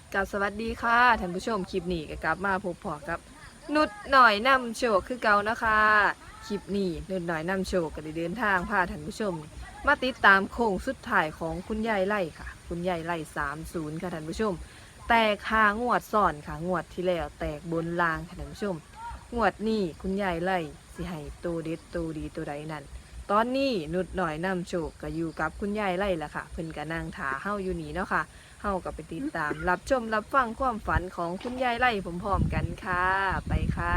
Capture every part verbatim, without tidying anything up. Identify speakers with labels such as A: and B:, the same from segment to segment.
A: กับสวัสดีค่ะท่านผู้ชมคลิปนี้ก็กลับมาพบพอกับนุดหน่อยนำโชคคือเก่านะคะคลิปนี้นุดหน่อยนำโชคก็ได้เดินทางพาท่านผู้ชมมาติดตามโค้งสุดท้ายของคุณยายไล่ค่ะคุณยายไล่สามศูนย์ค่ะท่านผู้ชมแตกคางวดซ่อนค่ะงวดที่แล้วแตกบนลางค่ะท่านผู้ชมงวดนี้คุณยายไล่สิให้ตัวเด็ดตัวดีตัวใดนั่นตอนนี้นุดหน่อยนำโชคก็อยู่กับคุณยายไล่ละค่ะเพิ่นก็นั่งถาเฮาอยู่นี่เนาะค่ะเฮากับไปติดตามรับชมรับฟังความฝันของคุณยายไล่พร้อมๆกันค่ะไปค่ะ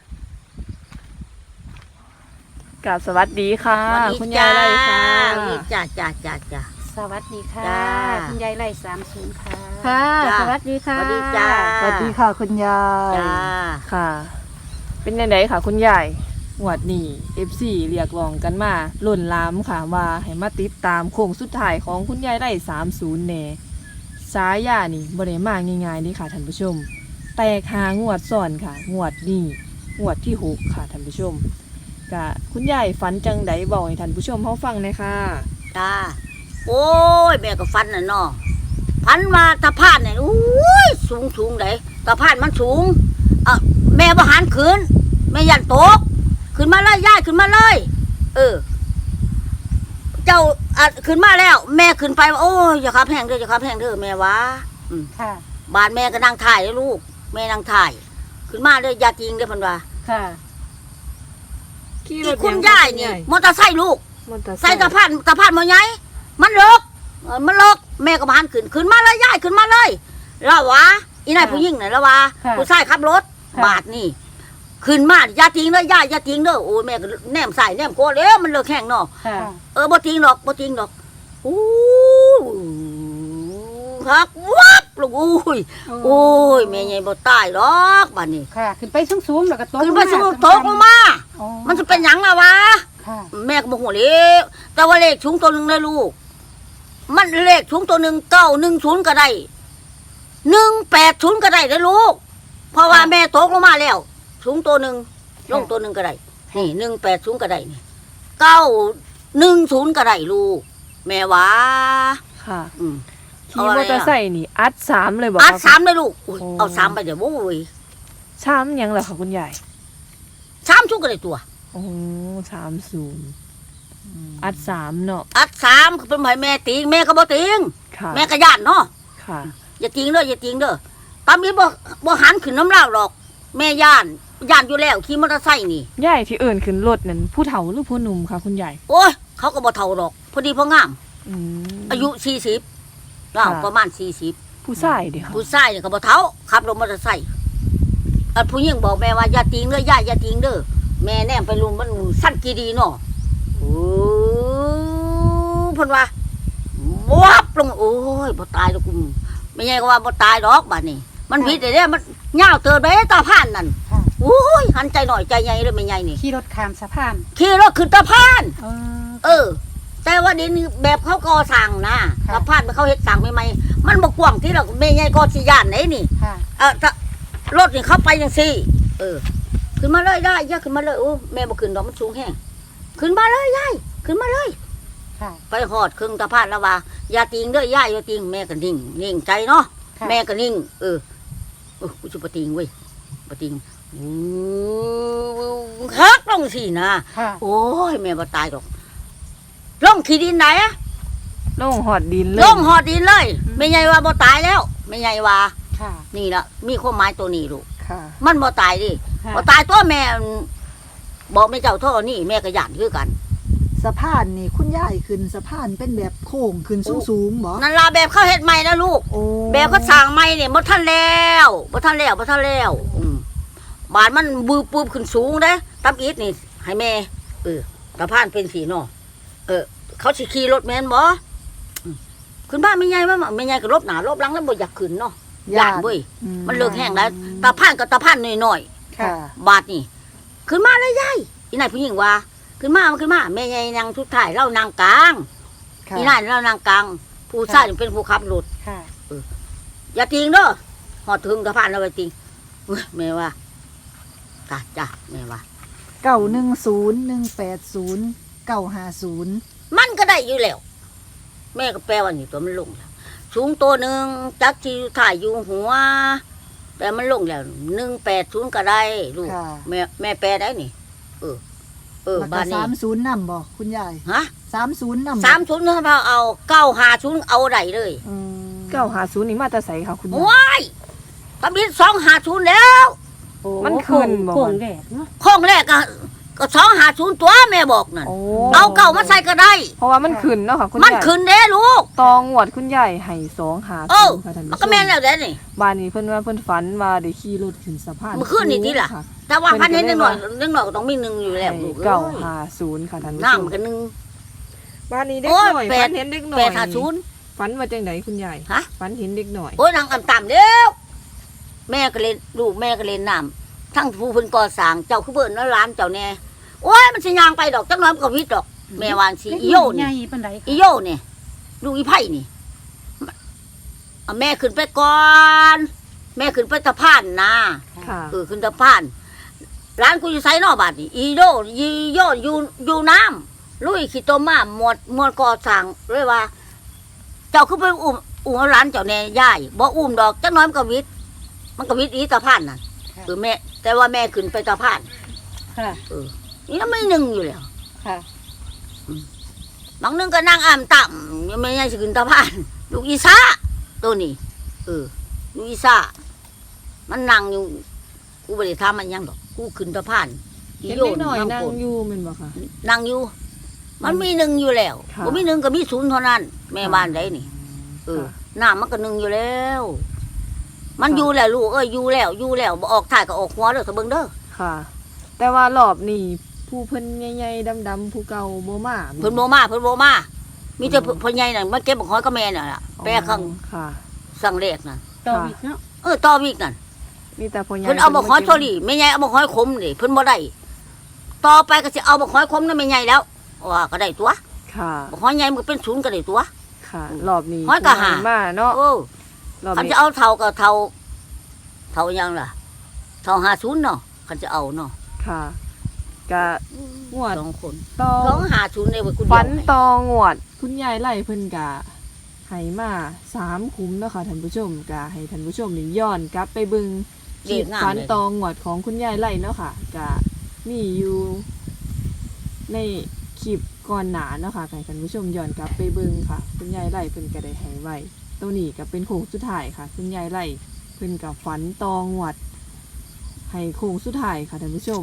A: กราบสวัสดีค่ะคุณยายไล่ค่ะ
B: จ้าจ้าจ้าจ้า
C: สวัสดีค่ะ
B: จ้า
C: คุณยายไล่สามศูนย์ค่ะ
A: ค่ะ
B: จ้า
C: สวัสดีค่ะ
B: สวัสดีจ้า
A: สวัสดีค่ะคุณยาย
B: จ้า
A: ค่ะ เป็นยังไงค่ะคุณยายหวดนี่ เอฟ ซี เรียกร้องกันมาล้นหลามค่ะว่าให้มาติดตามโค้งสุดท้ายของคุณยายไล่สามศูนย์แน่สายานี่บ่ได้มาง่ายๆนี่ค่ะท่านผู้ชม แตกหางวดซ้อนค่ะ งวดนี่งวดที่หกค่ะท่านผู้ชมกะคุณยายฝันจังไดบอกให้ท่านผู้ชมเฮาฟังหน่อยค่ะ
B: จ้าโอ้ยแม่ก็ฟันน่ะเนาะพันมาตะพานเนี่ยอุ้ยสูงสูงเลยตะพานมันสูงเออแม่บหันขึ้นแม่ยันตกขึ้นมาเลยย่ายขึ้นมาเลย เออ เจ้าอ่ะขึ้นมาแล้ว แม่ขึ้นไปว่าโอ้ยอย่าขับแห้งเด้ออย่าขับแห้งเด้อแม่วะอืม
C: ค่ะ
B: บ้านแม่ก็นั่งถ่ายเลยลูกแม่นั่งถ่าย ขึ้นมาเลยอย่าจริงเด้อเพันว่า
C: ค่ะ
A: ขี่ร
B: ที่
A: ถ
B: คุณ
A: ง
B: ยาย
A: คุณ
B: นี่มอเตอร์ไซค์ลูก
A: มอเตอร์ไซ
B: ใส่
A: ค์
B: ตะพานตะพานมาไงมันเลิกเออมันเลิกแม่ก็มาหันขึ้นขึ้นมาเลยยายขึ้นมาเลยแล้ววะอีนายผู้หญิงไหนแล้ววะ
C: ค่ะ
B: ผู้ชายขับรถ
C: ค่ะ
B: บาทนี่ขึ้นมาอย่าทิ้งเลยยายอย่าทิ้งเด้อโอ้ยแม่ก็แนมใส่แนมโคตรแล้วมันเลิกแห้งเนาะ
C: ค่ะ
B: เออบ่ทิ้งหรอกบ่ทิ้งหรอกอู้ฮักวับลูกอุ้ยโอ้ยแม่ใหญ่บ่ตายหรอกบาดนี้
C: ค่ะ ขึ้นไปสูงๆแล้วก็ตก
B: ขึ้นไปสูง
C: ลง
B: ตกลงมา
C: อ๋อ
B: มันจะเป็นหยังล่ะวะ
C: ค่ะ
B: แม่ก็บอกหัวเล็กแต่ว่าเลขชุงตัวหนึ่งเลยลูก มันเลขชุงตัวหนึ่งเก้าหนึ่งศูนย์ก็ได้หนึ่งแปดศูนย์ก็ได้เลยลูก เพราะว่าแม่ตกลงมาแล้วชุงตัวหนึ่งลงตัวหนึ่งก็ได้นี่หนึ่งแปดศูนย์ก็ได้นี่เก้าหนึ่งศูนย์ก็ได้ลูก แม่ว่า
A: ค่ะ
B: อืม
A: ขี่มอเตอร์ไซค์นี่อัดสามเลยบอก
B: อัด
A: ค่ะ
B: สามเลยลูกอุ๊ย
A: โอ้
B: เอาสามไปเดี๋ยวโว้ย
A: สามหยังเหรอคะคุณยาย
B: สามชุงก็ได้ตัว
A: โอ้สามศูนย์อัดสามเนาะ
B: อัดสามคือเป็นหมายแม่ติงแม่ก็บ่ติง
A: ค่ะ
B: แม่ก็ย่านเนาะ
A: ค่ะ
B: อย่าทิ้งเด้ออย่าทิ้งเด้อตามนี้บ่บ่หันขึ้นน้ำลาวหรอก แม่ย่านย่านอยู่แล้วขี่มอเตอร์ไซค์นี่
A: ยายที่เอื่นขึ้นรถนั่นผู้เฒ่าหรือผู้หนุ่มคะคุณยาย
B: โอ้ยเขาก็บ่เท่าหรอก พอดีพองาม
A: อืม
B: อายุสี่สิบเรา
A: ค่ะ
B: ประมาณสี่สิบ
A: ผู้ชายเดีค่ะ
B: ผู้ชายนี่ก็บ่เท่าขับรถมอเตอร์ไซค์อันผู้หญิงบอกแม่ว่าอย่าทิ้งเด้อย่าอย่าทิ้งเด้อแม่แนมไปลุมมันสั้นกี่ดีเนาะโอ้เพิ่นว่าวับลงโอ้ยบ่ตายดอกกูไม่ใช่ก็ว่าบ่ตายดอกบัดนี้ มันผิดได้เด้มันยาวเติบไปตาผ่านนั่น
C: ค่ะ
B: โอ้ยหันใจหน่อยใจใหญ่เลยไม่ใหญ่นี่
C: ขี่รถข้ามสะพาน
B: ขี่รถขึ้นตะพาน
C: เออ
B: เออ แต่ว่าเดี๋ยวนี้แบบเขาก่อสร้างนะ
C: ค่ะ
B: ตะพานเขาเฮ็ดสร้างใหม่ๆมันบกกว้างที่เราไม่ใหญ่ก็สิย่านไหนนี่
C: ค่ะ
B: เออถ้ารถนี่เข้าไปจังซี่ เออ ขึ้นมาเลยได้ย่าขึ้นมาเลยโอ้แม่บ่ขึ้นดอกมันสูงแห้งขึ้นมาเลยยายขึ้นมาเลย
C: ค่ะ
B: ไปหอดครึ่งตะพานแล้วว่าอย่าติงเด้อย่าอย่าติงแม่ก็นิ่งนิ่งใจเนาะ
C: ค่ะ
B: แม่ก็นิ่งเออเออกูจะปะติงเว้ยปะติงอู้ฮักลงสินะ
C: ค่ะ
B: โอ้ยแม่บ่ตายหรอกลงขี้ดินไหนอะ
A: ลงหอดดินเลย
B: ลงหอดดินเลยไม่ใหญ่ว่าบ่ตายแล้วไม่ใหญ่ว่า
C: ค่ะ
B: นี่ละมีความหมายตัวนี้ลูก
A: ค่ะ
B: มันบ่ตายดิ
C: ค่ะ
B: บ่ตายตัวแม่บอกแม่เจ้าท่อนี่แม่ก็ย่านคือกัน
D: สะพานนี่คุณยายขึ้นสะพานเป็นแบบโค้งขึ้นสูงๆบ่
B: นั่นล่ะแบบเขาเฮ็ดใหม่นะลูก
D: โอ้
B: แบบเขาสร้างใหม่เนี่ยบ่ทันแล้วบ่ทันแล้วบ่ทันแล้วอืมบ้านมันบืบปืบขึ้นสูงเด้ตำอีทนี่ให้แม่เออตะพานเป็นสีเนาะเออ เขาสิขี่รถแม่นบ่อืมขึ้นบ้านไม่ใหญ่มาไม่ใหญ่ก็ลบหน้าลบหลังแล้วบ่อยากขึ้นเนาะย่านเว้ย
D: อื
B: มันเลิกแห้งแล้วตะพานก็ตะพานน้อย
D: ค่ะ
B: ๆบาดนี่ขึ้นมาเลยยายอีนายผู้หญิงว่า ขึ้นมาขึ้นมาแม่ใหญ่นางทุดท้ายเรานางกลาง
D: ค่ะ
B: อีนายเรานางกลางผู้ชายเป็นผู้ขับรถ
C: ค่ะ
B: อย่าทิ้งเด้อหอดถึงกระพานเราไปทิ้งเว้ยแม่ว่าจ้าจ้าแม่ว่า
D: เก้าหนึ่งศูนย์หนึ่งแปดศูนย์เก้าห้าศูนย์
B: มันก็ได้อยู่แล้ว แม่ก็แปลว่านี่ตัวมันลงแล้วสูงตัวหนึ่งจักที่ถ่ายอยู่หัว แต่มันลงแล้วหนึ่งแปดศูนย์ก็ได้ลูก
D: ค่ะ
B: แม่แม่แปลได้นี่ เออ เออ
D: แล้วก็
B: บ้านนี้
D: สามศูนย์นำบ่คุณยาย
B: ฮะ
D: สามศูนย์นำบ่
B: สามศูนย์ถ้าเอาเก้าหาศูนย์เอาได้เลย
D: อืม
A: เก้าหาศูนย์นี่มาแต่ใสค่ะคุณยาย
B: ว้ายตำบิดสองหาศูนย์แล้ว
C: โอ้
A: มันขึ้นบ่
C: โค้งแรกเนาะ
B: ข้องแรกก็ก็สองหาศูนย์ตัวแม่บอกนั่น
A: โอ้
B: เอาเก่ามาใส่ก็ได้
A: เพราะว่ามันขึ้นเนาะค่ะคุณ
B: มัน
A: ยาย
B: ขึ้นเด้ลูก
A: ตองวดคุณยายให้สองหา
B: เออ
A: ศูนย์ค่ะท่าน
B: มัน
A: ผู้ช
B: ก็แม่น
A: ม
B: แล้วเด้นี่
A: บ้านนี้เพิ่นว่าเพิ่นฝันว่าได้ขี่รถขึ้นสะพาน
B: เมื่อคืนนี่ติล่ะ
A: ค่
B: แต่ว่าพันเห็นเล็กหน่อยเล็กหน่อยก็ต้องมีหนึ่งอยู่แล้วลูก
A: เก้า
B: อ้ย
A: หาศูนย์ค่ะท่านผู้ชม
B: น้ำกันหนึ่ง
A: บ้านนี้เด็ก
B: โอ้ย
A: หน่อย
B: แป
A: ฝั
B: ด
A: นเห็นเด็กหน่อย
B: แปดหาศูนย์
A: ฝันว่าจังไหนคุณยาย
B: ฮะ
A: ฝันเห็นเด็กหน่อย
B: โอ้ยนางอ่ำต่ำเด้วแม่ก็เล่นลูกแม่ก็เล่นน้ำทั้งผู้เพิ่นก่อสร้างเจ้าคือเบิ่นแล้วร้านเจ้าแน่โอ้ยมันสิยางไปดอกจักหน้อยมันก็วิทย์ดอก แม่วานสิอีโย
C: ให
B: นี่
C: ญ่ปานใด
B: อีโยนี่ลูกอีไผ่นี่เอาแม่ขึ้นไปก่อน แม่ขึ้นไปตะพานนะ
A: ค่ะ
B: เออขึ้นตะพานร้านกูอยู่ไซนอกบาดนี่อีโยอีโยอยู่อยู่น้ำลุยขี้ต้มมาหมดหมดก่อสร้างเลยว่า เจ้าคือไปอุ้มอุ้มเอาร้านเจ้าแน่ย่ายบ่อุ้มดอกจักหน้อยมันก็วิทย์มันก็วิทย์อีตะพานนั่นเออแม่ แต่ว่าแม่ขึ้นไปตะพาน
C: ค่ะ
B: เออนี่ไม่หนึ่งอยู่แล้ว
C: ค่ะ
B: บางนึงก็นั่งอ่ำต่ำยังไม่ยังสิขึ้นตะพานลูกอีซ่าตัวนี้เออลูกอีซ่ามันนั่งอยู่กูไม่ได้ทำมันยังดอกกูขึ้นตะพาน
A: เห็นเด็กหน่อยนั่ง
B: โกรธ
A: อยู่แมันบ่ค่ะ
B: นั่งอยู่ มันมีหนึ่งอยู่แล้ว
A: ค่ะ
B: ผมมีหนึ่งก็มีศูนย์เท่านั้น แม่บ้านได้นี่เออ
A: ค่ะ
B: หน้ามันก็หนึ่งอยู่แล้ว มัน
A: ค่ะ
B: อยู่แล้วลูกเอ้ยอยู่แล้วอยู่แล้วบ่ออกถ่ายก็ออกหัวเด้อเถอะเบิ่งเด้อ
A: ค่ะ แต่ว่ารอบนี้ผู้เพิ่นใหญ่ๆดำๆผู้เก่าบ่มา
B: เพิ่นโมมาเพิ่นโมมามีแต่เพิ่นใหญ่น่ะมาเก็บบักหอยกับแม่น่ะล่ะแปรข้าง
A: ค่ะ
B: สั่งแรกน่ะ
C: ต่ออีกเนาะ
B: เออต่อวิกนั่น
A: มีแต่พ่อใหญ่
B: เพิ่นเอาบักหอยโซลี่แม่ใหญ่เอาบักหอยขมนี่เพิ่นบ่ได้ต่อไปก็สิเอาบักหอยขมนั่นแม่ใหญ่แล้วว่าก็ได้ตัว
A: ค่ะ
B: บักหอยใหญ่มันก็เป็นศูนย์ก็ได้ตัว
A: ค่ะ รอบนี้
B: หอยกะหา
A: ผู้ใญ่มาเนาะ
B: โอ้
A: รอบ
B: คัน
A: นี้
B: จะเอาเท่าก็เท่าเท่ายังล่ะเท่าห้าศูนย์เนาะคันจะเอาเนาะ
A: ค่ะกะงวด
B: สองคน
A: ตอ
B: สองห้าศูนย์เลยว่ากูเดียว
A: ฝัน
B: ให้
A: ตองวด คุณยายไล่เพิ่นกะให้มาสามคุ้มเนาะค่ะท่านผู้ชมกะให้ท่านผู้ชมนี่ย้อนกลับไปเบิ่งคลิปฝันตองวดของคุณยายไล่เนาะค่ะกะมีอยู่ในคลิปก่อนหนาเนาะค่ะให้ท่านผู้ชมย้อนกลับไปเบิ่งค่ะ คุณยายไล่เพิ่นก็ได้ให้ไว้ตัวนี้ก็เป็นโค้งสุดท้ายค่ะ คุณยายไล่เพิ่นกับฝันตองวด ให้โค้งสุดท้ายค่ะท่านผู้ชม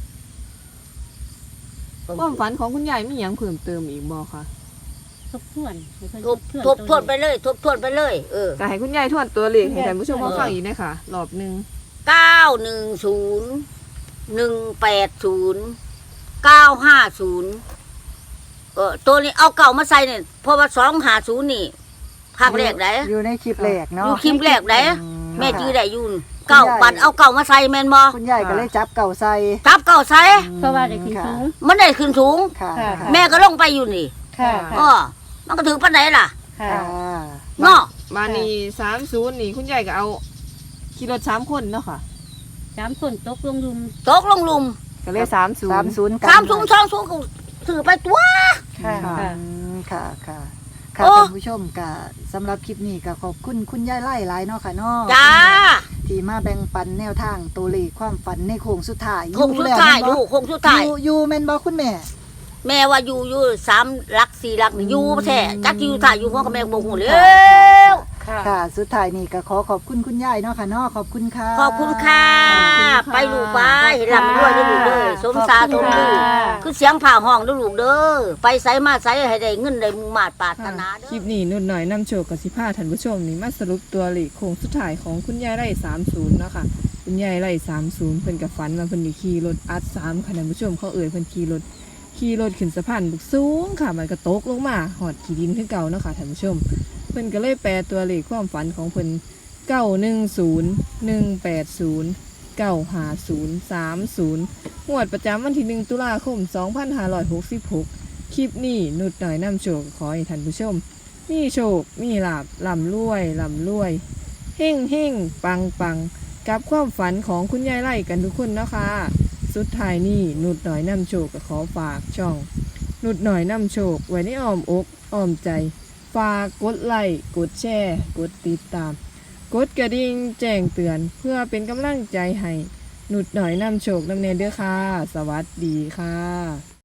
A: ความฝันของคุณยายมีหยังเพิ่มเติมอีกบ่คะ
C: ทบทวนให้เพิ่น
B: ทบทบทวนไปเลย ทบทวนไปเลย เออ
A: ก็ให้คุณยายทวนตัวเลขให้ท่านผู้ชมเขาฟังอีกนะคะรอบหนึ่ง
B: เก้าหนึ่งศูนย์หนึ่งแปดศูนย์เก้าห้าศูนย์เออตัวนี้เอาเก่ามาใส่เนี่ยเพราะว่าสองห้าศูนย์นี่ภาคแรกไหน
D: อยู่ในคลิปแรก
B: อ
D: เนาะ
B: ยู่คิมแรกไหน
D: อื
B: แม่จื้อ
D: ค่ะ
B: ได้อยูนเก่าปัดเอาเก่ามาใส่แมนบอ
D: คุณยายก็เลยจับเก่าใส่
B: ทับเก่าใส่
C: เพราะว่าได้ขึ้นสูง
B: มันได้ขึ้นสูง
D: ค่ะ
C: ค่ะ
D: ค่ะ
B: แม่ก็ลงไปอยู่นี่
C: ค่ะ
B: อ๋อมันก็ถือปันไหนล่ะ
C: ค่ะ
D: ค่ะ
B: เนาะ
A: มานี่สามศูนย์นี่คุณยายก็เอาขี่รถสามคนเนาะค่ะ
C: สามคนตกลงลุม
B: ตกลงหลุม
A: ก็เลยสามศูน
D: สาม
A: ย์
D: ศูนย์กัน
B: สามสูงสองสูงก็ถือไปตัว
C: ค่ะ
A: ค่ะ
C: ค่ะ
D: อืมค่ะค่ะค่ะ
B: โอ้
D: ท่านผู้ชมกะสำหรับคลิปนี้ก็ขอบคุณคุณยายไล่หลายเนาะค่ะเนาะ
B: จ้า
D: ที่มาแบ่งปันแนวทางตัวเลขความฝันในโค้งสุดท้าย
B: คงสุดท้าย
D: อ
B: ดู
D: แล้ว
B: คงสุดท้าย
D: แม่นบ่อยู่อยู่แม่นบ่คุณแม่
B: แม่ว่าอยู่อยู่สามหลักสี่หลักนี่อยู่แท้จักอยู่ถ่ายอยู่หัวกับแม่บ่ฮู้แล้ว
C: ค่ะ
D: ค่ะ สุดท้ายนี่ก็ขอขอบคุณคุณยายเนาะค่ะเนาะขอบคุณค่ะ
B: ขอบคุณค่ะ ไปลูกไปหลับรวยได้ลูกเด้อสมสาสมลือคือเสียงผ่าห้องเด้อลูกเด้อไปไสมาไสให้ได้เงินได้มุ่งมาตรปรารถนาเด้
A: คลิ
B: อ
A: ปนี้นุ่นหน่อยนำโชคกับสิพาท่านผู้ชมนี่มาสรุปตัวเลขโค้งสุดท้ายของคุณยายไร่สามศูนย์เนาะค่ะคุณยายไร่สามศูนย์เพิ่นกับฝันว่าเพิ่นได้ขี่รถอัดสามค่ะท่านผู้ชมเขาเอ่ยเพิ่นขี่รถขี่รถขึ้นสะพานบุกสูงค่ะมันก็ตกลงมาหอดขี้ดินคือเก่าเนาะค่ะท่านผู้ชม เพิ่นก็เลยแปลตัวเลขความฝันของเพิ่นเก้าหนึ่งศูนย์หนึ่งแปดศูนย์เก้าห้าศูนย์สามศูนย์งวดประจำวันที่หนึ่งตุลาคมสองพันห้าร้อยหกสิบหกคลิปนี้นุดหน่อยนำโชคขอให้ท่านผู้ชม มีโชค มีลาบลำรวยลำรวยเฮ่งเฮ่งปังปังกับความฝันของคุณยายไล่กันทุกคนนะคะ สุดท้ายนี้นุดหน่อยนำโชคก็ขอฝากช่อง นุดหน่อยนำโชคไว้ในอ้อมอกอ้อมใจ ฝฝากกดไลค์กดแชร์กดติดตาม กดกระดิ่งแจ้งเตือนเพื่อเป็นกำลังใจให้หนุดหน่อยนำโชคนำเนเด้อค่ะ สวัสดีค่ะ